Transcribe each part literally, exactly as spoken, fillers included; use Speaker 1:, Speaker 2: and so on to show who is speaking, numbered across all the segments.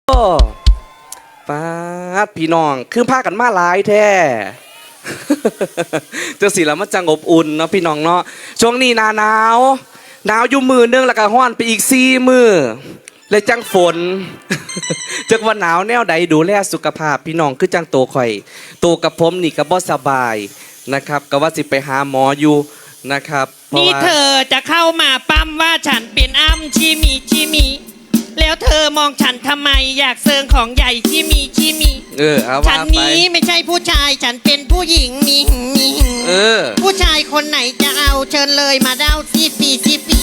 Speaker 1: ป้าดพี่น้องคือพากันมาหลายแท้ เจ้าสิแล้วมันจังอบอุ่นเนาะพี่น้องเนาะช่วงนี้หนาหนาวหนาวอยู่มือนึงแล้วก็ฮ้อนไปอีกสี่มือเลยจังฝน จักว่าหนาวแนวใดดูแลสุขภาพพี่น้องคือจังโตข่อยโตกับผมนี่ก็บ่สบายนะครับก็ว่าสิไปหาหมออยู่นะครับ
Speaker 2: นี่เธอจะเข้ามาปั้มว่าฉันเป็นอ้ำชิมีชิมีแล้วเธอมองฉันทำไมอยากเซิงของใหญ่ชิมีชิมี
Speaker 1: เออเอา
Speaker 2: ฉันนี้ไม่ใช่ผู้ชายฉันเป็นผู้หญิงมีหึงมีหึง
Speaker 1: เออ
Speaker 2: ผู้ชายคนไหนจะเอาเชิญเลยมาเด้าซีปีซีปี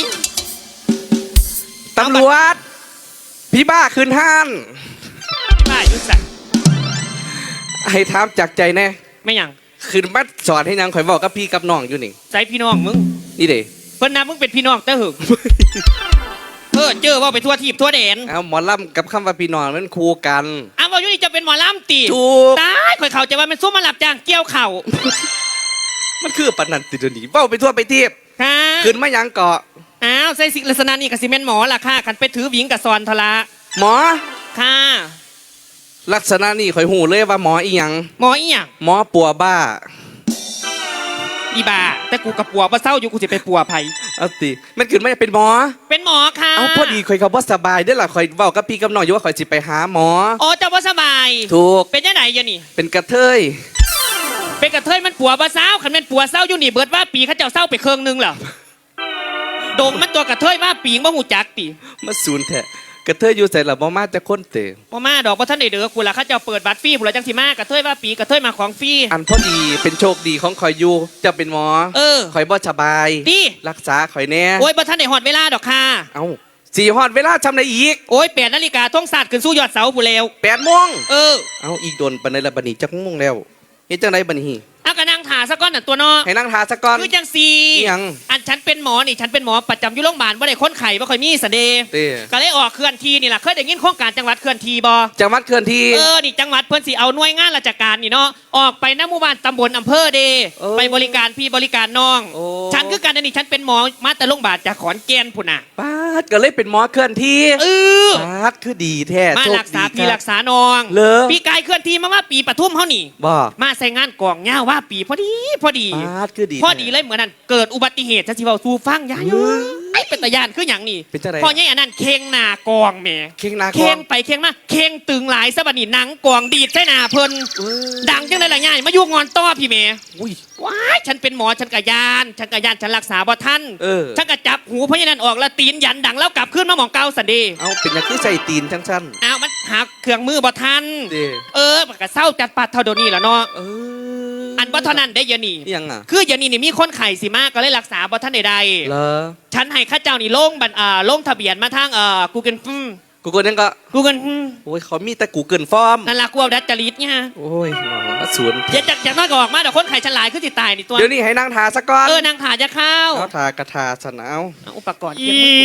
Speaker 1: ตำรวจพี่บ้าคืนห้าน
Speaker 2: บ้ายุ่งสัก
Speaker 1: ให้ถามจากใจแน่
Speaker 2: ไม่ยัง
Speaker 1: คืนมัดสอนให้นางข่อยบอกกับพี่กับน้องอยู่นี่
Speaker 2: ใจพี่น้องมึง
Speaker 1: นี่เด้
Speaker 2: เพิ่นนะมึงเป็นพี่น้องแต่หึงเออเจอว่าไปทั่วทีบทั่วแดน
Speaker 1: เอาหมอลำกับคำว่าพี่น้องมันคู่กัน
Speaker 2: อ้าวว่าอยู่นี่จะเป็นหมอลำตี
Speaker 1: ถูก
Speaker 2: ตายข่อยเขาจะว่ามันสู้มาหลับจ้างเกี่ยวเข่า
Speaker 1: มันคือปนันติดหนีเบ้าไปทั่วไปทีบคืนไม่ยังเกาะ
Speaker 2: อ้าวใส่สิลักษณะนี่กับซีเมนต์หมอล่ะค่ะกันไปถือวิงกับซอนทละ
Speaker 1: หมอ
Speaker 2: ค่ะ
Speaker 1: ลักษณะนี่ข่อยหูเลยว่าหมออีหยัง
Speaker 2: หมออีหยัง
Speaker 1: หมอปัวบ้า
Speaker 2: อีบ้าแต่กูกับปัวบ่เศร้าอยู่กูจะไปปัวไผ
Speaker 1: เอาติมันขึ้นไม่เป็นหมอ
Speaker 2: เป็นหมอค่ะ
Speaker 1: เอาพอดีข่อยเขาบ่สบายได้ล่ะข่อยเว้ากับพี่กับน้องอยู่ว่าข่อยสิไปหาหมอ
Speaker 2: อ๋อเจ้าบ่สบาย
Speaker 1: ถูก
Speaker 2: เป็นยังไงยะนี่
Speaker 1: เป็นกระเทย
Speaker 2: เป็นกระเทยมันปัวบ่เศร้าคันแม่นปัวเศร้าอยู่นี่เบิดว่าปีเขาเจ้าเศร้าไปเครื่องนึงเหรอดงมันตัวกระเทยว่าปีงบ่หูจักติ
Speaker 1: มาศูนย์แท้กระเทยอยู่ใส่ละบ่มาจะคนเตะ
Speaker 2: บ่มาดอกบ่ทันได้เด้อกูล่ะเขาเจ้าเปิดบัตรฟรีผู้ละจังสิมากระเทยว่าปีกระเทยมาของฟรี
Speaker 1: อันพอดีเป็นโชคดีของข่อยอยู่จะเป็นหมอ
Speaker 2: เออ
Speaker 1: ข่อยบ่สบาย
Speaker 2: ดี
Speaker 1: รักษาข่อยแน่
Speaker 2: โอ้ยบ่ทันได้ฮอดเวลาดอกค่ะ
Speaker 1: เอ้าสี่ฮอดเวลาทำได้อีก
Speaker 2: โอ้ยแปดนาฬิกาท่องศาสตร์ขึ้นสู่ยอดเสาผู้เลว
Speaker 1: แปดโมง
Speaker 2: เออ
Speaker 1: เอ้าอีกโดนปานใดละบัดนี้จักโมงแล้วเฮ็ดจังไดบัดนี้
Speaker 2: เอากระนั่งถาซะก่อนน่ะตัวน้อ
Speaker 1: ให้นั่งถาซะก่อน
Speaker 2: คือจังซี
Speaker 1: ยัง
Speaker 2: อันฉันเป็นหมอนี่ฉันเป็นหมอประจำอยู่โรงพยาบาลบ่ได้คนไข้บ่ค่อยมีสันเดย์ก็เลยออกเคลื่อนที่นี่ล่ะเคยได้ยินโครงการจังหวัดเคลื่อนที่บ่
Speaker 1: จังหวัดเคลื่อนที่
Speaker 2: เออนี่จังหวัดเพิ่นสิเอาหน่วยงานราชการนี่เนาะออกไปณหมู่บ้านตำบลอำเภอเดไปบริการพี่บริการน้องฉันคือกันนี่ฉันเป็นหมอมาแต่โรงพยาบาลจากขอนแก่นพุ่นน่ะ
Speaker 1: ป๊าดก็เลยเป็นหมอเคลื่อนที่
Speaker 2: เออ
Speaker 1: ป๊าดคือดีแท้
Speaker 2: มารักษาพี่รักษาน้องปีกายเคลื่อนที่มาว่าปีปทุมเฮานี่
Speaker 1: บ่
Speaker 2: มาใส่งานกองยาวว่าปีพอดีพอดีพอดีเลยเหมือนนั้นเกิดอุบัติเหตุจะสิเว้าสู่ฟังยาอยู่ไอ้เป็นตะยานคือหยังนี่พอใหญ่อันนั้นเข่งหน้ากองแหม
Speaker 1: เข่งหน้ากอง
Speaker 2: เข่งไปเข่งมาเข่งตึงหลายซะบัดนี้หนังกองดีดใส่หน้าเพิ่นดังจังได๋ล่ะยายมาอยู่งอนต้อพี่แม่
Speaker 1: อุ้ย
Speaker 2: ว้ายฉันเป็นหมอฉันกะยานฉันกะยานฉันรักษาบ่ทันฉันกะจับหูพญานันออกแล้วตีนยันดังแล้วกลับขึ้นมาหม่องเก่าซั่นเด้
Speaker 1: เอาเป็นจังคือใส่ตีนจังๆ
Speaker 2: อ้าวมันหาเครื่องมือบ่ทันเออมันก็เศร้าจัดปัดเท่าเดี๋ยวนี้ล่ะเนาะ
Speaker 1: เออ
Speaker 2: อันบ่เท่านั้นได้ยะนี่
Speaker 1: ยังอ่ะ
Speaker 2: คือยะนี่นี่มีคนไข้สิมากก็เลยรักษาบ่ทันใด
Speaker 1: ๆเหรอ
Speaker 2: ฉันให้ข้าเจ้านี่ลงบัตรอ่าลงทะเบียนมาทางเอ่อ Google อืม
Speaker 1: Google นั่นก็
Speaker 2: Google
Speaker 1: โอ้ยเขามีแต่ Google Form
Speaker 2: นั่นล่ะกูเอาดัดจริตเนี่ย
Speaker 1: โอ้ยมาสวน
Speaker 2: อย่าจักจักน้อยก็ออกมาเดี๋ยวคนไข้ฉลาดขึ้นสิตายนี่ตัว
Speaker 1: เดี๋ยวนี้ให้นั่งทาซะก่อน
Speaker 2: เออนั่งทาจะเข้า
Speaker 1: เอาทากระทาสนาว
Speaker 2: อุปกรณ์เก็บมือ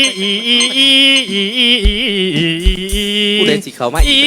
Speaker 1: กูได้สิเขามาอี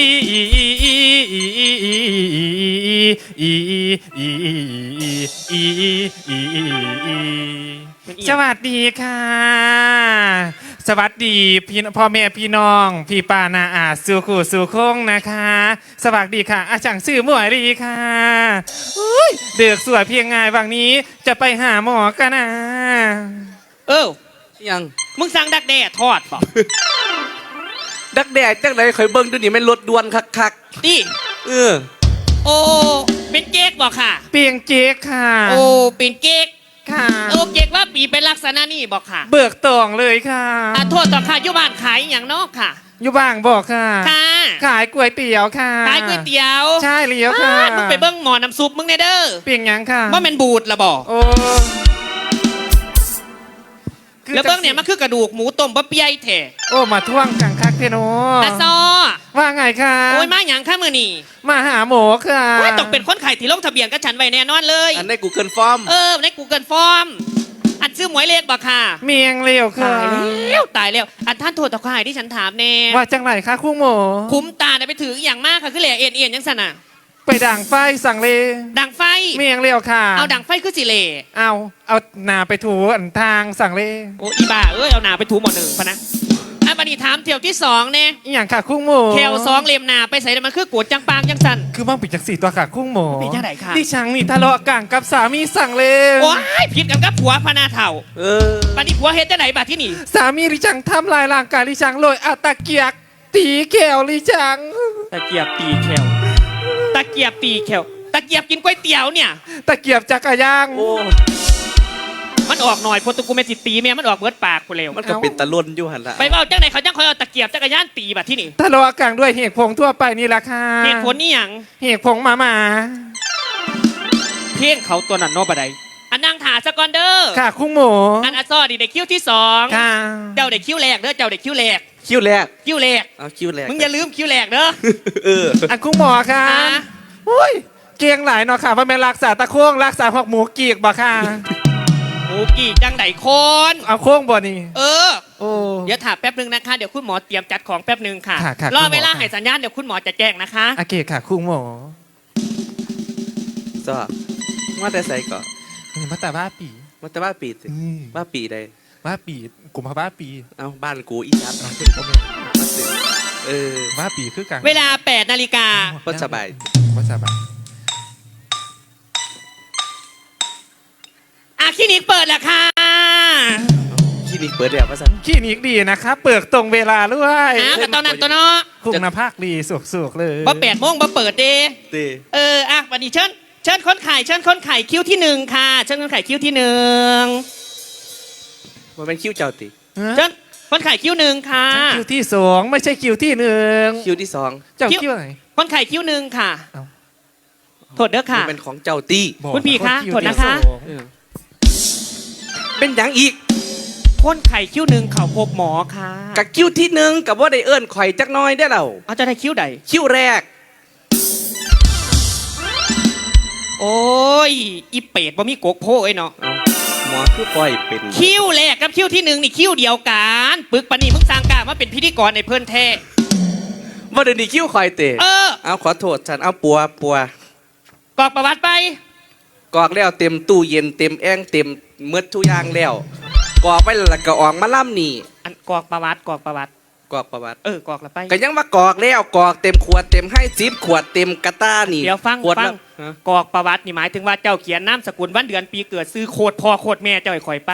Speaker 3: กสวัสดีค่ะสวัสดีพี่พ่อแม่พี่น้องพี่ป้านาอาสู่ขู่สู่คงนะคะสวัสดีค่ะอาจารย์สื่อหมวยรีค่ะเดือกสวยเพียงไงวันนี้จะไปหาหมอกันนะ
Speaker 2: เออ
Speaker 1: ยัง
Speaker 2: มึงสั่งดักแด้ทอดป่ะ
Speaker 1: ดักแด้จังไหนข่อยเบิ่งดูนี่มันรถด่วนคัก
Speaker 2: ๆดิ
Speaker 1: เออ
Speaker 2: โอ้เป็นเก๊กบ่ค่ะ
Speaker 3: เปียงเจ๊กค่ะ
Speaker 2: โอ้เป็นเก๊ก
Speaker 3: ค่ะ
Speaker 2: โอ้เก๊กว่าปีเป็นลักษณะนี่บอกค่ะ
Speaker 3: เบิกตองเลยค่ะ
Speaker 2: อ่ะโทษต่อค่ะอยู่บ้านขายอย่างนอกค่ะ
Speaker 3: อยู่บ้างบอกค่ะ
Speaker 2: ค่ะ
Speaker 3: ขายก๋วยเตี๋ยวค่ะ
Speaker 2: ขายก๋วยเตี๋ยว
Speaker 3: ใช่เลี้ยวค่ะ
Speaker 2: มึงไปเบิ้งหมอน้ำซุปมึงเนเด้อ
Speaker 3: เปียงยังค่ะ
Speaker 2: ว่ามันบูดละบอก
Speaker 3: โอ้
Speaker 2: แล้วเบิ้งเนี่ยมันคือกระดูกหมูต้มบะเปียแท้
Speaker 3: โอ้มาท่วงกังคักเทโน
Speaker 2: อาซอ
Speaker 3: ว่าไงคะ
Speaker 2: โอ้ยมาอย่างข้ามือนี่
Speaker 3: มาหาหมอค่ะ
Speaker 2: ต้องเป็นคนไข้ที่ลงทะเบียนกับฉันไว้แน่นอนเลย
Speaker 1: อันใน Google Form
Speaker 2: เออใน Google Form อันซื้อหมวยเลขบ่ค่ะ
Speaker 3: เมียงเลี้ยวค่ะ
Speaker 2: ตายแล้วตายแล้วอันท่านโทษต่อข่ายที่ฉันถามแน่
Speaker 3: ว่าจังไหนคะคู่หมอ
Speaker 2: คุ้มตาได้ไปถืออย่างมากค่ะคือเหล่เอ็นเอ็นยังสนะ
Speaker 3: ไปดังไฟสั่งเล
Speaker 2: ดังไฟ
Speaker 3: เมียงเลี้ยวค่ะ
Speaker 2: เอาดังไฟคือสิเล
Speaker 3: เอาเอาหนาไปถูอันทางสั่งเล
Speaker 2: โอ้อีบ้าเอ้ยเอาหนาไปถูหมดหนึ่งพะนะอ่ะบัดนนี้ถามเที่ยวที่สองเนี่ย
Speaker 3: อหย่างค่ะคุ้งหมู
Speaker 2: แควสองเหลี่ยมหนาไปใส่แล้วมันคือกวดจังปางจังสัน
Speaker 3: คือมั่งปิดจากสี่ตัวค่ะคุ้งหมู
Speaker 2: เป็นจังไหนคะ
Speaker 3: ดิฉันนี่ทะเลาะกันกับสามีสั่งเลย
Speaker 2: โอ้ยผิดกันกับผัวพนาเถ่า
Speaker 1: เออ
Speaker 2: ปานนี้ผัวเฮ็ดจังไหนบัดที่นี่
Speaker 3: สามีดิฉันทำลายร่างกายดิฉันเลยอาตะเกียกตีแขวดิฉัน
Speaker 2: ตะเกียบตีแควตะเกียบตีแควตะเกียบกินก๋วยเตี๋ยวเนี่ย
Speaker 3: ตะเกียบจักรยาน
Speaker 1: โอ้
Speaker 2: มันออกหน่อยพอตุกูเมจิตีแม่มันออกเบิดปากกูเร็ว
Speaker 1: มันก็เป็นตะล่นอยู่หันละ
Speaker 2: ไปเว่าจังไหนเขาจังคอยเอาตะเกียบจักรยานตีบัดที่นี่
Speaker 3: ทะเลาะกันด้วยเหตุผงทั่วไปนี่แหละค่ะ
Speaker 2: เหตุผลนี่หยัง
Speaker 3: เหตุผงหมาหมา
Speaker 2: เพ่งเขาตัวนั้นโนบะไดอันนั่งถาสกอนเดอร์
Speaker 3: ค่ะคุ้งหมู
Speaker 2: อันอัซอดีเด็กคิ้วที่สอง
Speaker 3: ค่ะ
Speaker 2: เจ้าเด็กคิ้วแรกเด้อเจ้าเด็กคิ้วแรก
Speaker 1: คิ้วแรก
Speaker 2: คิ้วแรก
Speaker 1: เอาคิ้วแรก
Speaker 2: มึงอย่าลืมคิ้วแรกเด้อ
Speaker 1: เออ
Speaker 3: อันคุ้งหมอค่ะ
Speaker 2: อ่า
Speaker 3: อุ้ยเกียงหลายเนาะค่ะว่าเป็นรักษาตะโค้งรักษาหอกหมูกีกบ่ค่ะ
Speaker 2: โอ้กี่จังไหนคน
Speaker 3: เอาโค้งบ่นี่
Speaker 2: เออ
Speaker 3: โอ้
Speaker 2: เดี๋ยวถามแป๊บนึงนะคะ เดี๋ยวคุณหมอเตรียมจัดของแป๊บนึงค่ะ
Speaker 3: ค่ะค่ะ
Speaker 2: รอ
Speaker 3: คุณหมอ
Speaker 2: เวลา
Speaker 3: ค่ะ
Speaker 2: ให้สัญญาณเดี๋ยวคุณหมอจะแจ้งนะคะ
Speaker 3: โอเคค่ะคุ้งหมอ
Speaker 1: ซอมาแต่ใส่ก่อน
Speaker 3: นี่มาแต่บ้าปี
Speaker 1: มาแต่บ้าปีสิ
Speaker 3: อืม
Speaker 1: บ้าปีใด
Speaker 3: บ้าปีกลุ่มพาบ้าปี
Speaker 1: เอาบ้านกูอีจัด
Speaker 3: เอาสิโอเค
Speaker 1: เออ
Speaker 3: บ้าปีคือกัน
Speaker 2: เวลาแปดนาฬิกา
Speaker 1: ก็สบาย
Speaker 3: ก็สบาย
Speaker 2: อ่ะคลินิกเปิดแล้วค่ะ
Speaker 1: คลินิกเปิดแล้วภาษา
Speaker 3: คลินิกดีนะคะเปิดตรงเวลาด้วย
Speaker 2: อ้าวกับตอนนั้นตัวเนาะ
Speaker 3: คุ้งนาภาคดีสุกๆเลย
Speaker 2: บ่แปดโมงบ่เปิดเด
Speaker 1: ตี
Speaker 2: เอออ่ะวันนี้เชิญเชิญคนไข่เชิญคนไข่คิ้วที่หนึ่งค่ะ เชิญคนไข่คิ้วที่หนึ่ง
Speaker 1: มันเป็นคิ้วเจ้าติ
Speaker 3: ฮะ
Speaker 2: เชิญคนไข่คิ้วหนึ่งค่ะ
Speaker 3: คิวที่สองไม่ใช่คิวที่หนึ่ง
Speaker 1: คิ้วที่สอง
Speaker 3: เจ้า
Speaker 2: คิว
Speaker 3: คิวไหน
Speaker 2: คนไข่คิ้วหนึ่งค่ะ
Speaker 3: เอ้า
Speaker 2: โทษเด้อค่ะ
Speaker 1: มันเป็นของเจ้าตี
Speaker 3: บอก
Speaker 2: คุณพี่คะ
Speaker 3: ว่า
Speaker 2: โทษนะคะ
Speaker 3: วที่สอง
Speaker 1: เออเป็นอย่างอีก
Speaker 2: คนไข่คิ้วหนึ่งเขาพบหมอค่ะ
Speaker 1: กับคิ้วที่หนึ่งกับว่าได้เอิ้นข่อยจักหน้อยได้อเรา
Speaker 2: เอาจะได้คิ้วใด
Speaker 1: คิ้วแรก
Speaker 2: โอ้ยอีเป็ดบ่มีกกโพไอ้เนาะ
Speaker 1: เอาหมอคือปล่อยเป็น
Speaker 2: คิ้วแรกกับคิ้วที่หนึ่งนี่คิ้วเดียวกันปึกปานนี่มึงสร้างกล้ามาเป็นพิธีกรในเพื่อนแท้
Speaker 1: ว่าเดี๋ยวนี้คิ้วข่อยเตะ
Speaker 2: เออ
Speaker 1: เอาขอโทษฉันเอาปัวปัว
Speaker 2: กรอกประวัติไป
Speaker 1: กรอกแล้วเต็มตู้เย็นเต็มแอ่งเต็มเมืดทุกอย่างแล้วกรอกไปแล้วก็ออกมาล่ำนี่
Speaker 2: อันกรอกประวัติกรอกประวัติ
Speaker 1: กรอกประวัติ
Speaker 2: เออกรอกแล้วไป
Speaker 1: ก็ยังว่ากรอกแล้วกรอกเต็มขวดเต็มให้จิบขวดเต็มกระต้านี่
Speaker 2: เดี๋ยวฟัง
Speaker 1: ขวด
Speaker 2: ฟั
Speaker 1: ละ
Speaker 2: ง
Speaker 1: ฮะ
Speaker 2: กรอกประวัตินี่หมายถึงว่าเจ้าเขียนนามสกุลวันเดือนปีเกิดซื้อโคตรพ่อโคตรแม่เจ้าไอ้ข่อยไป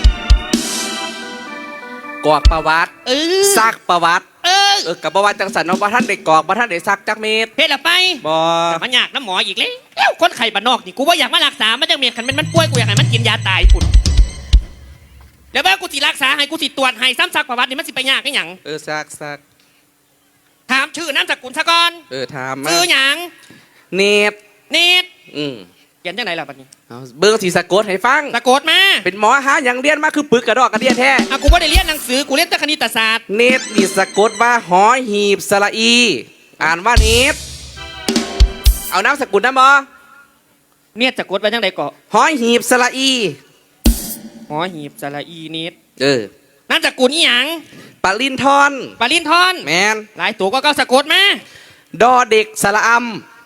Speaker 1: กรอกประวัติ
Speaker 2: เออ
Speaker 1: ซักประวัติ
Speaker 2: เออ
Speaker 1: เออกับประวัติจังสันเนาะว่าท่านได้กรอกว่าท่านได้ซักจักเม็ด
Speaker 2: เฮ็ดละไป
Speaker 1: บอ
Speaker 2: แต่มันอยากน้ำหมออีกแล้วแล้วคนไข้บ้านนอกนี่กูว่าอยากมารักษามันจังเมียคันมันมันป่วยกูอยากให้มันกินยาตายปุ่นเดี๋ยวว่ากูสิรักษาให้กูสิตรวจให้ซ้ำซักประวัตินี่มันสิไปยากไอ้หยัง
Speaker 1: เออซักซัก
Speaker 2: ถามชื่อนามสกุลซะก่อน
Speaker 1: เออถามมา
Speaker 2: ชื่อหยัง
Speaker 1: เนต
Speaker 2: เนต
Speaker 1: อืม
Speaker 2: เขียนจังไหนล่ะบัดนี้
Speaker 1: เอาเบิ้งสีสะกดให้ฟัง
Speaker 2: สะกดมา
Speaker 1: เป็นหมอหาอย่างเรียนมาคือปึกกระดอกกระเดียแท้
Speaker 2: อ่ะกูบ่ได้เรียนหนังสือกูเรียนแต่คณิตศาสตร์
Speaker 1: เนตนี่สะกดว่าหอหีบสระอี อ่านว่าเนตเอาน้ำสกุลนะหมอ
Speaker 2: เนี่ยสะกดว่าจังไดเกาะ
Speaker 1: หอหีบสระอี
Speaker 2: หอหีบสระอีเนต
Speaker 1: เออน
Speaker 2: ามสกุลอีหยัง
Speaker 1: ปาลินทอน
Speaker 2: ปาลินทอน
Speaker 1: แมน
Speaker 2: หลายตัวก็เก้าสะกดมา
Speaker 1: ดอเด็กสระอ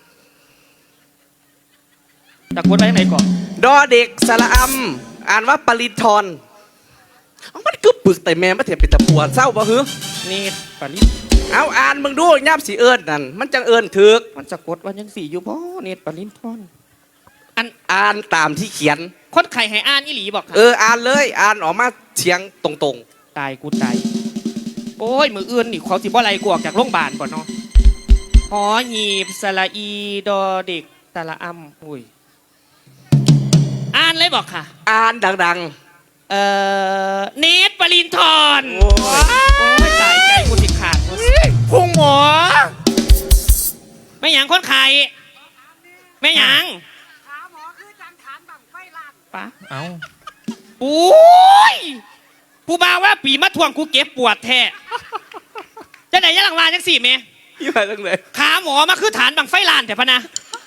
Speaker 2: สะกดว่าจังไดเกาะ
Speaker 1: ำดอเด็กสระอำอ่านว่าปาลินทอนเอามันคือปึกแต่แม่มาเถียเป็นตะปวดเศร้าบ่ฮึ
Speaker 2: เนตปาลิน
Speaker 1: เอาอ่านมึงดูย่ำสีเอิญนั่นมันจังเอิญถึก
Speaker 2: มันสะกดว่าจังสี่อยู่บ่เนตปาลินทอนอัน
Speaker 1: อ่านตามที่เขียน
Speaker 2: คนไข่ให้อ่านอีหลีบอกค่ะ
Speaker 1: เอออ่านเลยอ่านออกมาเสียงตรง
Speaker 2: ตายกูตายโอ้ยมืออื่นนี่เขาสิบ่ไรกูออกจากโรงพยาบาลก่อนเนาะหอหีบสระอีดอเด็กสระอำอุ้ยอ่านเลยบอกค่ะ
Speaker 1: ๆ อ่านดัง
Speaker 2: เอ่อเนตปรินทร์
Speaker 1: โอ้ย
Speaker 2: โอ้ยตายใจกูติดขาด
Speaker 3: พุ่งหมอ
Speaker 2: ไม่หยังคนไข่ไม่หยัง
Speaker 4: ขาหมอคือจังฐานบังไฟลาน
Speaker 2: ปะ
Speaker 3: เอา
Speaker 2: โอ้ยผู้บ่าวว่าปีมาทวงกูเก็บปวดแท้จะไหนยังหลังวานจังสี่เม
Speaker 1: ๆยี่ห้อจังเลย
Speaker 2: ขาหมอมาคือฐานบังไฟลานแต่พะนะ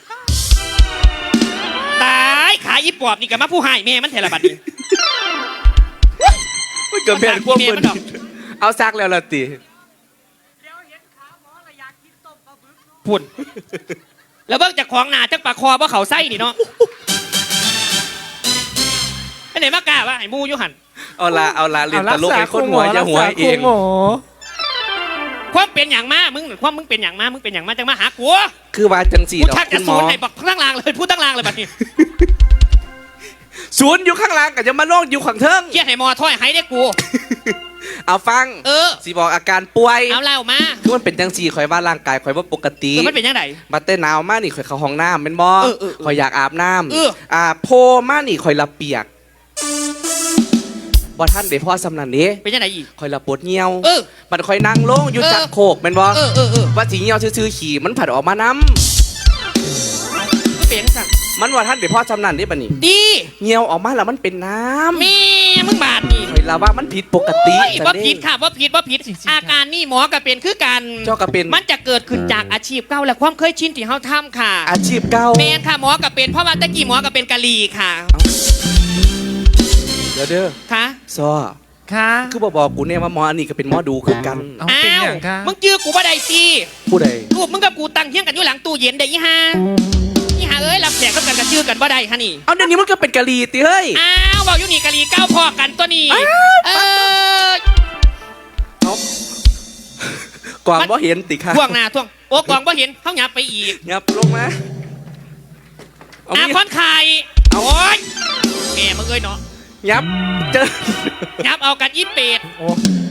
Speaker 2: ตายขาอีปอบนี่กับมาผู้หายเมมันเทระบัดนี้
Speaker 1: มันเกิดเป็นพวก
Speaker 2: เมี
Speaker 1: มึ
Speaker 2: ย
Speaker 1: น
Speaker 2: มันดอก
Speaker 1: เอาซักแล้วละติ
Speaker 4: เดี๋ยวเห็นขาหมอและอยากกินต้มปลาบึกเนาะ
Speaker 2: พุ่นแล้วเบิ่งจากของหนาจากปากคอว่าเขาไส้นี่เนาะไอ้ไหนมากล้าว่าไอ้มูอยุหัน
Speaker 1: เอาละเอาละเรียนตลก
Speaker 3: รั
Speaker 1: ให้คนหัว
Speaker 3: รั
Speaker 1: จะ
Speaker 3: กษา
Speaker 1: หัวเอ
Speaker 3: คุ้
Speaker 1: ง
Speaker 3: หมอ
Speaker 2: ความเป็นอย่างมามึงความมึงเป็นอย่างมามึงเป็นอย่างมาจังมาหากู
Speaker 1: คือว่าจังสี
Speaker 2: กู
Speaker 1: ดอก
Speaker 2: ชัก
Speaker 1: คุ
Speaker 2: จะ
Speaker 1: ณหม
Speaker 2: ศู
Speaker 1: อน
Speaker 2: ย์ให้บอกทั้งลางเลยพูดทั้งลางเลยบัดนี้
Speaker 1: ศูนย์อยู่ข้างล่างก็จะมาโล่งอยู่ข้างเทิง
Speaker 2: เครียดให้หมอถ้อยให้ได้กู
Speaker 1: เอาฟัง
Speaker 2: เออ
Speaker 1: สีบอกอาการป่วย
Speaker 2: เอาเล่ามา
Speaker 1: คือมันเป็นจังสีข่อยว่าร่างกายข่อยว่าปกติ
Speaker 2: เออมันเป็นยังไง
Speaker 1: มาเต้นหนาวมากนี่ข่อยเข้าห้องน้ำเป็นบ่
Speaker 2: เออเออเออ
Speaker 1: ข่อยอยากอาบน้
Speaker 2: เออ
Speaker 1: ำอ่าโพมากนี่ข่อยละเปียกบ่ท่านเดี๋ยวพ่อสำนันนี้
Speaker 2: เป็นยังไงอีก
Speaker 1: ข่อยละปวดเหี่ยว
Speaker 2: เออ
Speaker 1: มันข่อยนั่งลงอยู่
Speaker 2: เออ
Speaker 1: จักโคกเป็นบ่
Speaker 2: เออเออเออ
Speaker 1: ว่าสีเหี่ยวซื่อๆขี่มันผัดออกมาน้
Speaker 2: มันเป็นสั่ง
Speaker 1: ำมันว่าท่านเดี๋ยวพ่อสำนันนี้บัดนี้
Speaker 2: ดี
Speaker 1: เหี่ยวออกมาแล้วมันเป็นน้ำ
Speaker 2: แม่มึงบาดนี่
Speaker 1: ข่อยละว่ามันผิดปกติ
Speaker 2: โอ้ย
Speaker 1: จัง
Speaker 2: ว่า
Speaker 1: เด้
Speaker 2: ผิดค่ะว่าผิดว่าผิดอาการนี่หมอก็เป็นคือกัน
Speaker 1: เจ้าก็เป็น
Speaker 2: มันจะเกิดขึ้นจากอาชีพเก่าและความเคยชินที่เฮาทำค่ะ
Speaker 1: อาชีพเก่า
Speaker 2: แมนค่ะหมอก็เป็นเพราะว่าตะกี้หมอก็เป็นกะลีค่ะ
Speaker 1: เดี๋ยวเด้อ
Speaker 2: ค่ะ
Speaker 1: ซอ
Speaker 3: ค่ะ
Speaker 1: คือบอกบอกกูเนี่ยว่าหมออันนี้ก็เป็นหมอดูคือกัน
Speaker 3: เอาเป็นอย่างค่ะ
Speaker 2: มึงจื้อกูบ่ได้สิ
Speaker 1: ผู้ใด
Speaker 2: รูปมึงกับกูตั้งเที่ยงกันอยู่หลังตู้เย็นได้ยี่ห้ายี่ห้าเอ้ยรับแขกก็กันกับชื่อกันบ่ได้ฮะนี่
Speaker 1: เอาเดี๋ยวนี้มันก็เป็นกะลีติเฮ้ย
Speaker 2: อ้าวบอกอยู่นี่กะลีเก้าพอกันตัวนี้เออก
Speaker 1: วางบ่เห็นติค่ะ
Speaker 2: ท่วงหน้าท่วงโอ้กวางบ่เห็นเขาหยับไปอีก
Speaker 1: ยับลงมาเอา
Speaker 2: อา
Speaker 1: มี
Speaker 2: คอนไข่
Speaker 1: เอา
Speaker 2: โอ้ยแม่มึงเอ้ยเนาะ
Speaker 1: ยับเจอ
Speaker 2: หยับเอากันอีเป็ด
Speaker 3: โอ้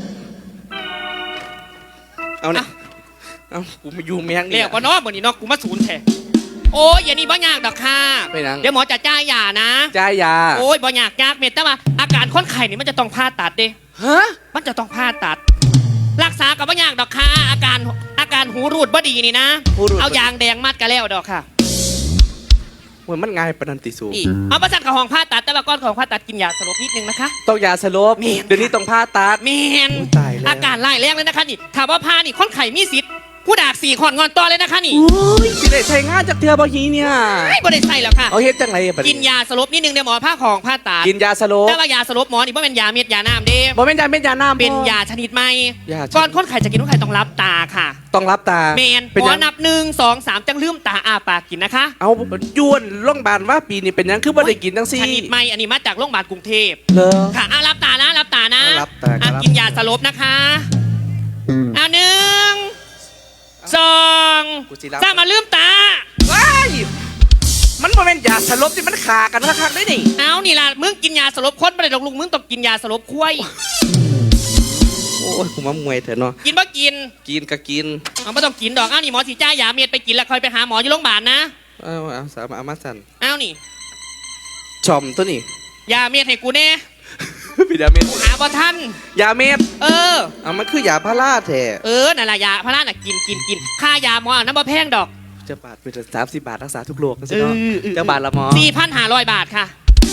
Speaker 1: เอาเนี่ยเอากูมาอยู่แมง
Speaker 2: เรี
Speaker 1: นี่
Speaker 2: ยกว่าเนาะเหมือนนี่เนาะกูมาศูนย์แท้โอ้ยอย่านี่บ่ยากดอกค่ะ
Speaker 1: ไปนัง
Speaker 2: เดี๋ยวหมอจะจ่ายยานะ
Speaker 1: จ่ายยา
Speaker 2: โอ้ยบ่ยากยากเม็ดแต่ว่าอาการคนไข้นี่มันจะต้องผ่าตัดเด้
Speaker 1: ฮะ
Speaker 2: มันจะต้องผ่าตัด รักษากับบ่ยากดอกค่ะอาการอาการหูรูดบ่ดีนี่นะ
Speaker 1: ผู้รู้
Speaker 2: เอายางแดงมัดก็แล้วดอกค่ะ
Speaker 1: เหมือนมันง่ายปานนันติสู
Speaker 2: นี่เอาประสานกับห้องผ่าตัดแต่ว่าก่อนของผ่าตัดกินยาสลบนิดนึงนะคะ
Speaker 1: ต้องยาสลบ
Speaker 2: แม่น
Speaker 1: เดี๋ยวนี้ต้องผ่าตัด
Speaker 2: แมน
Speaker 1: โอ้ยตายแล้ว
Speaker 2: อาการไล่แรงเลยนะคะนี่ถามว่าผ่านี่คนไข้มีสิทธิ์ผู้ดากสี่ขอนงอนต่อเลยนะคะนี่
Speaker 1: โอ้ยสิได้ใช้งานจากเธอบ่ฮีเนี่ย
Speaker 2: ไม่บ่ได้ใส่แล้วค่ะ
Speaker 1: เอาเฮ็ดจังไรบัด
Speaker 2: กินยาสลบนิดนึงเดี๋ยวหมอผ่าของผ่าตัด
Speaker 1: กินยาสลบ
Speaker 2: แต่ว่ายาสลบหมอนี่บ่เป็นยาเม็ดยาน้ำเด้
Speaker 1: บ่แม่นยาเม็ดยาน้ำ
Speaker 2: เป็นยาชนิดใหม่
Speaker 1: ยาชนิด
Speaker 2: ก่อนคนไข้จะกินคนไข้ต้องรับตาค่ะ
Speaker 1: ต้องรับตา
Speaker 2: เมน
Speaker 1: เป็น
Speaker 2: หม
Speaker 1: ห
Speaker 2: อ
Speaker 1: ยัง
Speaker 2: นับหนึ่งสองสามจังลืมตาอาปากกินนะคะ
Speaker 1: เอายวนโรงพยาบาลว่าปีนี้เป็นหยังคือบ่ได้กินจังซี่
Speaker 2: ชนิดใหม่อันนี้มาจากโรงพยาบาลกรุงเทพ
Speaker 1: เหรอ
Speaker 2: ค่ะอารับตานะรับตานะ
Speaker 1: เอารับตาครับ
Speaker 2: อ่ะกินยาสลบนะคะเอาหนึ่งสอง
Speaker 1: กูสิรับ
Speaker 2: สามมาลืมตา
Speaker 1: ว้ายมันบ่แม่นยาสลบที่มันขากันคักๆได้นี่
Speaker 2: เอานี่ล่ะมึงกินยาสลบคนไม่ได้หรอกลุงมึงต้องกินยาสลบคุ้ย
Speaker 1: โอ้ยกูมามวยเถอะเนาะ
Speaker 2: กินบ่กิน
Speaker 1: กินก็กิน
Speaker 2: เอาไม่ต้องกินดอกเอานี่หมอสีจ้ายาเม็ดไปกินแล้วคอยไปหาหมออยู่โรงพยาบาลนะ
Speaker 1: เอาเอาสามเอามาสั่น
Speaker 2: เอานี่
Speaker 1: ชอมตัวนี้
Speaker 2: ยาเม็ดให้กูแน่
Speaker 1: พี่ดาเม็ด
Speaker 2: หาบ่ทัน
Speaker 1: ยาเม็ด
Speaker 2: เออ
Speaker 1: เอามันคือยาพาราแท้
Speaker 2: เออนั่นล่ะยาพาราน่ะกินกินกินค่ายาหมอน้ำบ่แพงดอก
Speaker 1: จะบาทเป็นสามสิบบาทรักษาทุกโรคกันสิ
Speaker 2: เอ
Speaker 1: เนาะ
Speaker 2: อเออ
Speaker 1: จะบาทละหมอ
Speaker 2: สี่พันห้าร้อยบาทค่ะ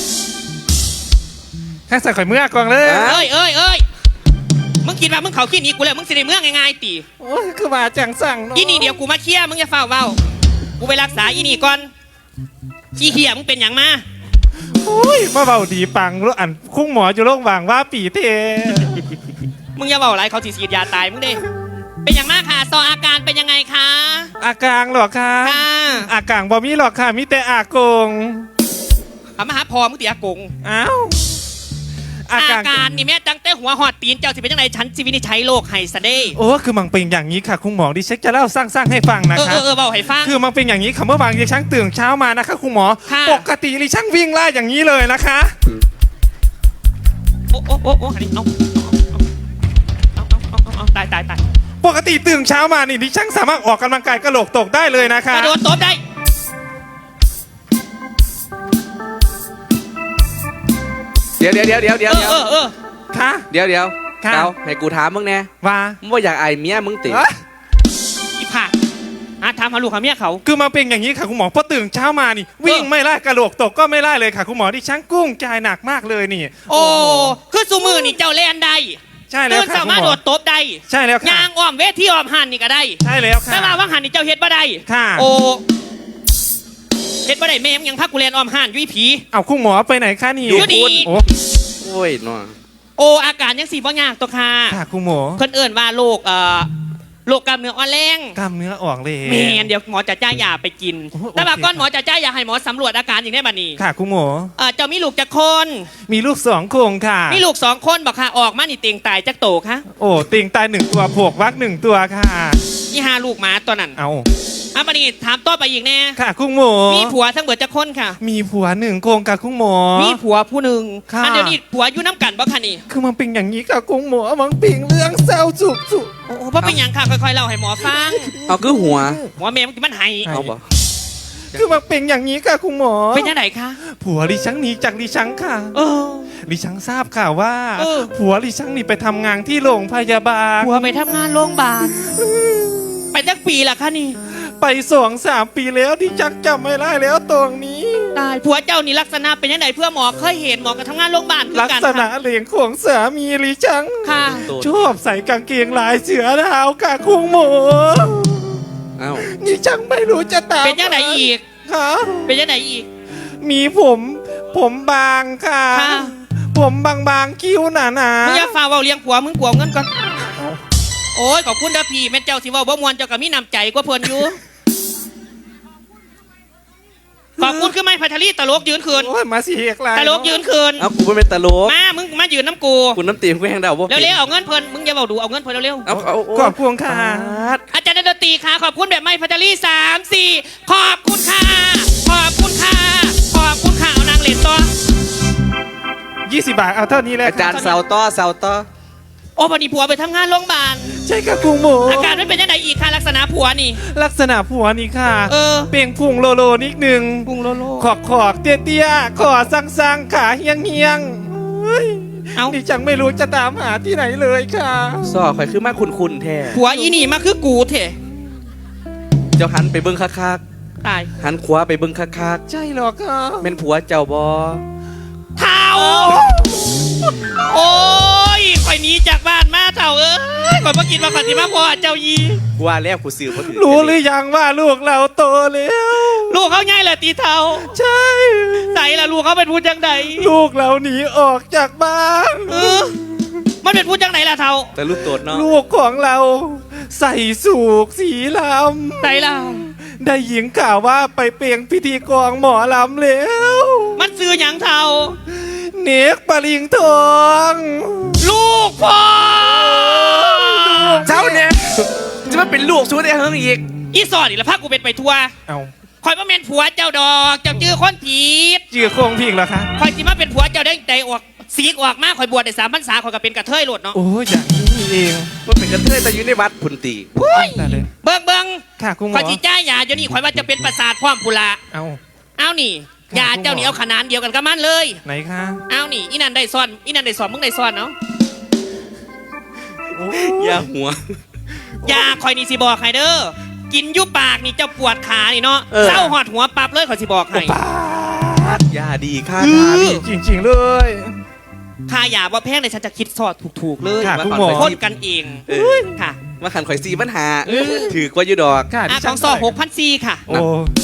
Speaker 3: ข้าใส่ข่อยเมื่อกองเลย
Speaker 1: อ่ะ
Speaker 2: เอ้ยเอ้ยเอ้ยมึงคิดว่ามึงเขาขี้หนี้กูแล้วมึงสิได้เมืองง่ายๆตี
Speaker 3: โอ้ยคือว่าจังสั่งเนาะ
Speaker 2: อีนี่เดี๋ยวกูมาเคลียร์มึงอย่าเฝ้าเว้ากูไปรักษาอีนี่ก่อนขี้เหี้ยมึงเป็นอย่างมา
Speaker 3: โอ้ยมาเบาดีปังรู้อันคุ้งหมออยู่โรงพยาบาลว่าปีเท
Speaker 2: มึงอย่าเว้าอะไรเขาสิฉีดยาตายมึงเด้เป็นอย่างมากค่ะซออาการเป็นยังไงคะ
Speaker 3: อากลางหรอคะ
Speaker 2: ค่ะ
Speaker 3: อากลางบ่มีหรอกค่ะมีแต่อากง
Speaker 2: เอามาหาพอมึงตีอากง
Speaker 3: อ้าวอา
Speaker 2: อาก
Speaker 3: ลาง
Speaker 2: การนี่แม่ตั้งแต่หัวหอดตีนเจ้าสิเป็นยังไงฉันสิวินิจฉัยโรคไฮสเดย์
Speaker 3: โอ้คือมันเป็นอย่างนี้ค่ะคุณหมอดิเช็คจะเล่าสร้างๆให้ฟังนะ
Speaker 2: เออ
Speaker 3: คะ
Speaker 2: เออเออเบาให้ฟัง
Speaker 3: คือมันเป็นอย่างนี้ค่ะเมื่อวานดิฉันตื่นเช้ามานะคะคุณหมอ
Speaker 2: ค่ะ
Speaker 3: ปกติดิฉันวิ่งไล่อย่างนี้เลยนะคะ
Speaker 2: โอ้โอ้โอ้โอ้อันนี้เอาเอาเอาเอาเอาเอาตายตายตาย
Speaker 3: ปกติตื่นเช้ามานี่ดิฉันสามารถออกกำลังกายกระโหลกตกได้เลยนะ
Speaker 2: ก
Speaker 3: คะ
Speaker 2: ระโดดตบได้
Speaker 1: เดี๋ยวเดี๋ยวเดี๋ยวเดี๋ยวเดี๋ยว
Speaker 2: เออเออเออ
Speaker 3: ค่ะ
Speaker 1: เดี๋ยวเดี๋ยว
Speaker 3: ค่ะ
Speaker 1: เดี๋ยวให้กูถามมึงแน่
Speaker 3: ว่า
Speaker 1: มึงว่าอยากไอายเมียมึงติ
Speaker 3: เอ้ย
Speaker 2: อีผ่าอ่ะถามหาลูกหาเมียเขา
Speaker 3: คือมันเป็นอย่างนี้ค่ะคุณหมอพอตื่นเช้ามานี่ วิ่งไม่ไล่กระโหลกตกก็ไม่ไล่เลยค่ะคุณหมอดิฉันกุ้งใจหนักมากเลยนี่
Speaker 2: โอ้คือสูมือนี่เจ้าแลนได้
Speaker 3: ใช่แล้ว
Speaker 2: ตื่น
Speaker 3: ค่ะ
Speaker 2: สา
Speaker 3: คุณ
Speaker 2: มารถ
Speaker 3: หม
Speaker 2: โด
Speaker 3: อ
Speaker 2: ดตบได้
Speaker 3: ใช่แล้วค่ะ
Speaker 2: ยางอ้อมเวทีอ้อมหันนี่ก็ได้
Speaker 3: ใช่แล้วค่ะ
Speaker 2: แต่ว่าว่างหันนี่เจ้าเฮ็ดบ่ได้
Speaker 3: ค่ะ
Speaker 2: โอ้เฮ็ดบ่ได้แม่มงยังพักกูแลนอ้อมหันอยุ่ยผี
Speaker 3: เอาคุณหมอไปไหนคะนี่
Speaker 2: อยู่นี่
Speaker 3: โอ้
Speaker 1: โอ้ยเนาะ
Speaker 2: โอ้อาการยังสีบ่ยากตัวค่ะ
Speaker 3: ค่ะคุณหมอ
Speaker 2: เพิ่นเอิ้นว่าโรคเอ่อโโรคกล้ามเนื้ออ่อนแรง
Speaker 3: กล้ามเนื้อออกเลย
Speaker 2: แมนเดี๋ยวหมอจะจ่ายยาไปกิน
Speaker 3: โอ้โห
Speaker 2: แต่ว่า
Speaker 3: โอเค
Speaker 2: ก่อนหมอจะจ่ายยาให้หมอสำรวจอาการอย่างได้บัดนี้
Speaker 3: ค่ะคุณหมอ
Speaker 2: เออเจ้ามีลูกจักคน
Speaker 3: มีลูกสองโครงค่ะ
Speaker 2: มีลูกสองคนบอกค่ะออกมานี่เตียงตายจักโตคะ
Speaker 3: โอ้ติงตายหนึ่งตัวผวกวักหนึ่งตัวค่ะ
Speaker 2: นี่หาลูกหมาตัวนั้น
Speaker 3: เอา
Speaker 2: อ่ะบัดนี้ถามต่อไปอีกแน่
Speaker 3: ค่ะคุณหมอ
Speaker 2: มีผัวทั้งเบิดจักคนค่ะ
Speaker 3: มีผัวหนึ่งโครงกับคุณหมอ
Speaker 2: มีผัวผู้หนึ่ง
Speaker 3: ค่ะ
Speaker 2: อันเดี๋ยวนี้ผัวอยู่น้ำกันบ่คะนี่
Speaker 3: คือมันเป็นอย่างนี้ค่ะคุณหมอมันเป็นเรื่องเศร้าสุดสุด
Speaker 2: โอ้โหเพราะเป็นหยังค่ะค่อยๆเล่าให้หมอฟัง
Speaker 1: เอาคือหัว
Speaker 2: หัวแม่มันมันไห้
Speaker 1: เอาบ่
Speaker 3: คือมันเป็นอย่างนี้ค่ะคุณหมอ
Speaker 2: เป็นยังไงคะ
Speaker 3: ผัวดิฉันหนีจากดิฉันค่ะ
Speaker 2: เออ
Speaker 3: ดิฉันทราบข่าวว่า
Speaker 2: เออ
Speaker 3: ผัวดิฉันนี่ไปทำงานที่โรงพยาบาล
Speaker 2: ผัวไปทำงานโรงพยาบาลไปจักปีละคะนี่
Speaker 3: ไปสองสามปีแล้วดิฉันจำไม่ได้แล้วตรงนี้
Speaker 2: ตายผัวเจ้านี่ลักษณะเป็นยังไงเพื่อหมอเคยเห็นหมอกับทำงานโรงพยาบาลคือ
Speaker 3: ลัก
Speaker 2: กัน
Speaker 3: ษณะ
Speaker 2: ค่ะ
Speaker 3: เหลียงของสามีดิฉัน
Speaker 2: ค่ะ
Speaker 3: ชอบใส่กางเกงลายเสือดาวค่ะคุณหมอ
Speaker 1: เอ้า
Speaker 3: ดิฉันไม่รู้จะตาม
Speaker 2: เป็นยังไงอีก
Speaker 3: ค่ะ
Speaker 2: เป็นยังไงอีก
Speaker 3: มีผม ผมบางค่ะ
Speaker 2: ค่ะ
Speaker 3: ผมบางๆคิ้วหนาๆ
Speaker 2: มึงอย่าฝ่าเว่าเลี้ยงผัวมึงกลัวเงินก่อนโอ้ยขอบคุณเด้อพี่แม่เจ้าสิเว่าบ่มวนเจ้าก็มีน้ำใจกว่าเพิ่นอยู่ขอบคุณคือไม่พัทลีตลกยืนคืน
Speaker 3: โอ้ยมาสิเอกลาย
Speaker 2: ตลกยืนคืน
Speaker 1: เอากูไม่เป็นตลก
Speaker 2: มามึงมายืนน้ำกู
Speaker 1: คุณน้ำตีมกูแห้งดาวบ่
Speaker 2: เร็วๆเอาเงินเพิ่นมึงอย่าเบาดูเอาเงินเพิ่นเร็ว
Speaker 1: เอาเอา
Speaker 3: ขอบคุณค่ะ
Speaker 2: ๆอาจารย์ดนตรีค่ะขอบคุณแบบไม่พัทลีสามสี่ขอบคุณค่ะขอบคุณค่ะขอบคุณค่ะเอานางเหรียญตัว
Speaker 3: ยี่สิบบาทเอาเท่านี้แหละ
Speaker 1: อาจารย์เสาต้อเสาต้อ
Speaker 2: โอ้พอดีผัวไปทำงานโรงพยาบาล
Speaker 3: ใช่ค่ะคุณหมอ
Speaker 2: อาการไม่เป็นยังไงอีกค่ะลักษณะผัวนี่
Speaker 3: ลักษณะผัวนี่ค่ะ
Speaker 2: เออ
Speaker 3: เปล่งพุงโลโลนิดหนึ่ง
Speaker 2: ปุงโลโล
Speaker 3: ขอกขอกเตี้ยเตี้ยๆขอสั่งสั่งขาเฮียงเฮียงเฮ้ย
Speaker 2: เอ้า
Speaker 3: ดิฉันไม่รู้จะตามหาที่ไหนเลยค่ะ
Speaker 1: ซอข่อยคือมาคุณคุณแท้
Speaker 2: ผัวอีนี่มาคือกูเถอะ
Speaker 1: เจ้าหันไปเบิ่งคัก
Speaker 2: ตาย
Speaker 1: ๆหันขวาไปเบิ่งคัก
Speaker 3: ใช่หรอค่ะ
Speaker 1: ๆแม่นผัวเจ้าบ่
Speaker 2: เท่าโอ้ยข่อยหนีจากบ้านมาเท่าเอ้ยข่อยมากินมาขัดสิมาพ่อเจ้ายี
Speaker 1: กูว่าแล้วกูซื้อบ่ถือ
Speaker 3: รู้หรือยังว่าลูกเราโตแล้ว
Speaker 2: ลูกเขาง่ายเลยตีเท่า
Speaker 3: ใช่
Speaker 2: ใส่ละลูกเขาเป็นผู้จังใด
Speaker 3: ลูกเราหนีออกจากบ้าน
Speaker 2: เออมันเป็นผู้จังไหนล่ะเท่า
Speaker 1: แต่ลูกโตดเนาะ
Speaker 3: ลูกของเราใส่สูกสีล
Speaker 2: ใส่ละ
Speaker 3: ำได้หญิงข่าวว่าไปเปลี่ยนพิธีกรหมอลำแล้ว
Speaker 2: มันซื้อหยังเท่า
Speaker 3: เนกปริงทอง
Speaker 2: ลูกพ่อ
Speaker 1: เจ้าเนี่ยจะมาเป็นลูกสู้ได้เฮิงอีก
Speaker 2: อีสอดอีกแล้วพากูเป็นไปทัวร์
Speaker 3: เอา
Speaker 2: ข่อยมาเป็นผัวเจ้าดอกเจ้าจื้อคนผิด
Speaker 3: จือโครงพิงเหรอคะ
Speaker 2: ข่อยสิมาเป็นผัวเจ้าได้ใจออกสีกออกมาข่อยบวชได้สามพรรษาข่อยก็เป็นกระเทยโลดเนาะ
Speaker 3: โอ้ยอย่างนี้นี่เอง
Speaker 1: มันเป็นกระเทยแต่อยู่ในวัดพุนตี
Speaker 3: ได้เลย
Speaker 2: เบิ่งเบิ่ง
Speaker 3: ค่ะคุณหม
Speaker 2: ข่อ
Speaker 3: อย
Speaker 2: จีจ้ายาเดี๋ยวนี้ข่อยว่าจะเป็นประสาทพร้อมพุละ
Speaker 3: เอา
Speaker 2: เอานี่ยาเจ้านี่เอาขนานเดียวกันกับมันเลย
Speaker 3: ไหนคะ
Speaker 2: เอานี่อีนันได้ซ่อนอีนันได้ซ่อนมึงได้ซ่อนเนาะ
Speaker 3: โอ้
Speaker 1: อย่าหัว
Speaker 2: ยาข่อยนี่สิบอกให้เด้อกินอยุบปากนี่เจ้าปวดขานี่เนาะ
Speaker 1: เออ
Speaker 2: เศร้าหอดหัวปับเลยข่อยสิบอกให้
Speaker 3: ป้าด
Speaker 1: อย่าดีค่ะ
Speaker 3: อื
Speaker 1: ค่ะ
Speaker 3: อ
Speaker 1: พี่
Speaker 3: จริงๆเลย
Speaker 2: ค่ายาว่าแพงเลยฉันจะคิดสอดถูกๆเลย
Speaker 3: ค่ะ
Speaker 1: ว่า
Speaker 3: คุณ
Speaker 1: ก่อน
Speaker 3: หมอ
Speaker 1: ไป
Speaker 2: คน
Speaker 1: ที่
Speaker 2: กันเอง
Speaker 1: เออ
Speaker 2: ค่ะ
Speaker 1: มาขันข่อยซีปัญหา
Speaker 2: เออ
Speaker 1: ถือกว่าอยู่ดอก
Speaker 3: ค่ะ
Speaker 2: อ่ะ
Speaker 3: ดิ
Speaker 2: ข
Speaker 3: ฉั
Speaker 2: อน งซอหกพันซีค่ะ
Speaker 3: โอ้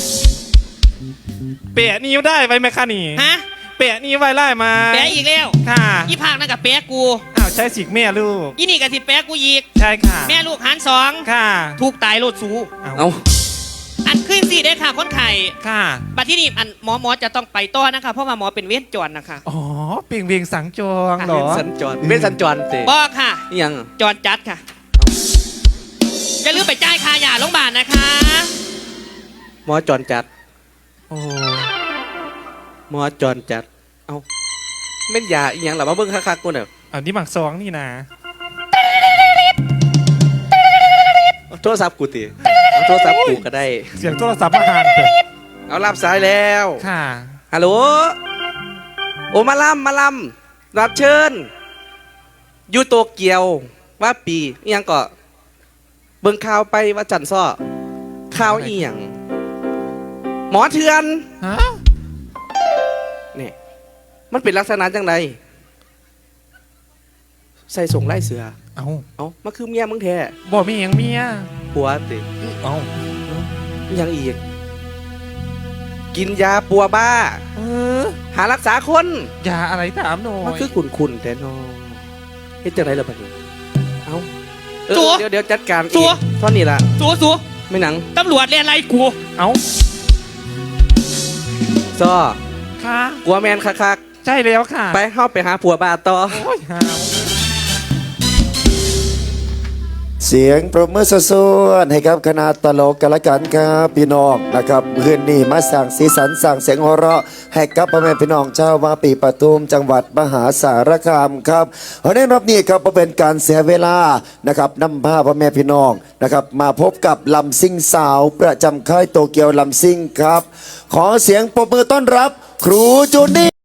Speaker 3: เปะนิ้วได้ไว้ไหมคะนี่
Speaker 2: ฮะ
Speaker 3: เปะนิ้วไว้ไล่มา
Speaker 2: แปะอีกแล้ว
Speaker 3: ค่ะ
Speaker 2: อีภาคนั่นกับแปะกู
Speaker 3: อ้าวใช้สิกแม่ลูก
Speaker 2: อีนี่กับสิแปะกูอีก
Speaker 3: ใช่ค่ะ
Speaker 2: แม่ลูกหารสอง
Speaker 3: ค่ะ
Speaker 2: ถูกตายโลดสู
Speaker 3: เอา
Speaker 1: เอา
Speaker 2: อันขึ้นสี่ได้ค่ะคนไข่
Speaker 3: ค่ะ
Speaker 2: บัดที่นี่อันหมอหมอจะต้องไปต่อนะคะเพราะว่าหมอเป็นเวชจรนะคะ
Speaker 3: อ๋อเปลี่ยงเวียงสังจองเหรอ
Speaker 1: สัญจรเป็นสัญจรเตะ
Speaker 2: บอกค่ะ
Speaker 1: นี่ยัง
Speaker 2: จรจัดค่ะจะลืมไปจ่ายค่ายาโรงพยาบาลนะคะ
Speaker 1: หมอจรจัด
Speaker 3: โอ้
Speaker 1: หมอจรจัด เอาแม่นยาอีหยังหรอมาเบิ่งคักๆกูเน่ะ
Speaker 3: เอานี่หมักซองนี่นะ
Speaker 1: โทรศัพท์กูติเอาโทรศัพท์กูก็ได้
Speaker 3: เสียงโทรศัพท์มาหานเถอะ
Speaker 1: เอารับสายแล้ว
Speaker 3: ค่ะ
Speaker 1: ฮัลโหล โอมาลำมาลำรับเชิญ อยู่โตเกียว ว่าปีอีหยังก็เบิ่งข่าวไปว่าจันซ้อข่าวอีหยังหมอเถื่อน
Speaker 3: ฮะ
Speaker 1: นี่มันเป็นลักษณะจังไดใส่ส่งไล่เสือ
Speaker 3: เอา
Speaker 1: เอามาคือเมียมึงแท้
Speaker 3: บ่มีหยังเมีย
Speaker 1: ผัวติ
Speaker 3: เอา
Speaker 1: อีหยังอีก กินยาปัวบ้า
Speaker 3: เออ
Speaker 1: หารักษาคน
Speaker 3: ยาอะไรถามหน่อย
Speaker 1: มันคือขุนขุนๆแต่นอเฮ็ดจังไรล่ะบัดนี้ เอาเออ
Speaker 2: สัว
Speaker 1: เดี๋ยวเดี๋ยวจัดการ
Speaker 2: สัว
Speaker 1: เองเท่านี้ละ
Speaker 2: สัวสัว
Speaker 1: ไม่หนัง
Speaker 2: ตำรวจเรียนอะไรกู
Speaker 3: เอ้า
Speaker 1: ซ้อ
Speaker 3: ค่ะ
Speaker 1: กลัวแมนคัก
Speaker 3: ใช่แล้วค่ะ
Speaker 1: ๆไปเข้าไปหาผัวบาต่อ
Speaker 3: โอ้ยหาว
Speaker 5: เสียงปรบมือสวดๆให้กับคณะตลกกันละกันครับพี่น้องนะครับคืนนี้มาสั่งสีสันสั่งเสียงหัวเราะให้กับพ่อแม่พี่น้องชาววาปีปทุมจังหวัดมหาสารคามครับเพราะในรอบนี้ครับบ่เป็นการเสียเวลานะครับนำพาพ่อแม่พี่น้องนะครับมาพบกับลำซิ่งสาวประจำค่ายโตเกียวลำซิ่งครับ ขอเสียงปรบมือต้อนรับ ครูจูนี่